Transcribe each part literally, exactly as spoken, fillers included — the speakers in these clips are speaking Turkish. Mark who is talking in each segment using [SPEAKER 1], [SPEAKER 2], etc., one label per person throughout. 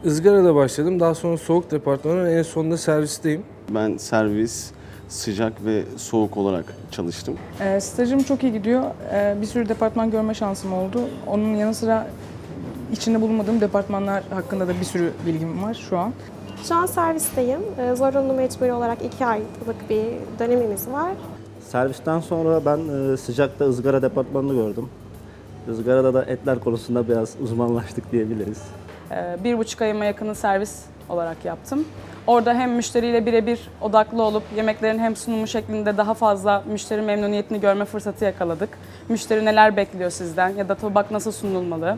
[SPEAKER 1] ızgarada başladım. Daha sonra soğuk departmanı, en sonunda servisteyim.
[SPEAKER 2] Ben servis, sıcak ve soğuk olarak çalıştım.
[SPEAKER 3] E, stajım çok iyi gidiyor. E, bir sürü departman görme şansım oldu. Onun yanı sıra içinde bulunmadığım departmanlar hakkında da bir sürü bilgim var şu an.
[SPEAKER 4] Şu an servisteyim. Ee, Zorunlu mecburi olarak iki aylık bir dönemimiz var.
[SPEAKER 5] Servisten sonra ben e, sıcakta ızgara departmanını gördüm. Izgarada da etler konusunda biraz uzmanlaştık diyebiliriz.
[SPEAKER 6] Ee, Bir buçuk ayıma yakını servis olarak yaptım. Orada hem müşteriyle birebir odaklı olup yemeklerin hem sunumu şeklinde daha fazla müşteri memnuniyetini görme fırsatı yakaladık. Müşteri neler bekliyor sizden ya da tabak nasıl sunulmalı?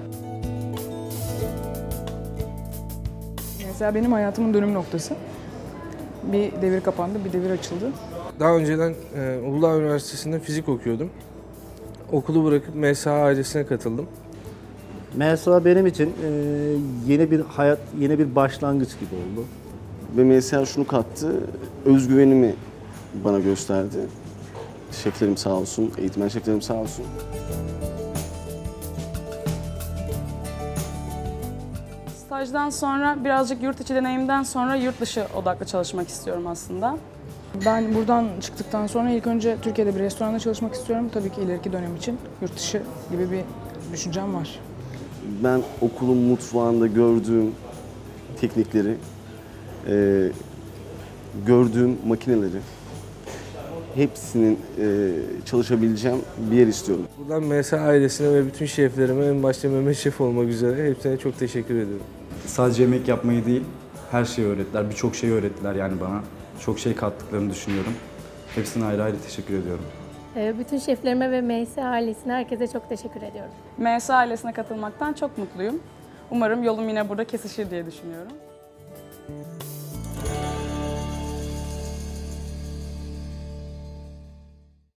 [SPEAKER 3] Mesela benim hayatımın dönüm noktası. Bir devir kapandı, bir devir açıldı.
[SPEAKER 1] Daha önceden e, Uludağ Üniversitesi'nde fizik okuyordum. Okulu bırakıp M S A ailesine katıldım.
[SPEAKER 5] M S A benim için e, yeni bir hayat, yeni bir başlangıç gibi oldu.
[SPEAKER 2] Ve M S A şunu kattı, özgüvenimi bana gösterdi. Şeflerim sağ olsun, eğitmen şeflerim sağ olsun.
[SPEAKER 6] Stajdan sonra birazcık yurt içi deneyimden sonra yurt dışı odaklı çalışmak istiyorum aslında.
[SPEAKER 3] Ben buradan çıktıktan sonra ilk önce Türkiye'de bir restoranda çalışmak istiyorum. Tabii ki ileriki dönem için yurt dışı gibi bir düşüncem var.
[SPEAKER 2] Ben okulun mutfağında gördüğüm teknikleri, e, gördüğüm makineleri, hepsinin e, çalışabileceğim bir yer istiyorum.
[SPEAKER 1] Buradan M S A ailesine ve bütün şeflerime, en başta Mehmet Şef olmak üzere hepsine çok teşekkür ediyorum.
[SPEAKER 7] Sadece yemek yapmayı değil, her şeyi öğrettiler. Birçok şey öğrettiler yani bana. Çok şey kattıklarını düşünüyorum. Hepsine ayrı ayrı teşekkür ediyorum.
[SPEAKER 8] Bütün şeflerime ve M S ailesine, herkese çok teşekkür ediyorum.
[SPEAKER 6] M S A ailesine katılmaktan çok mutluyum. Umarım yolum yine burada kesişir diye düşünüyorum.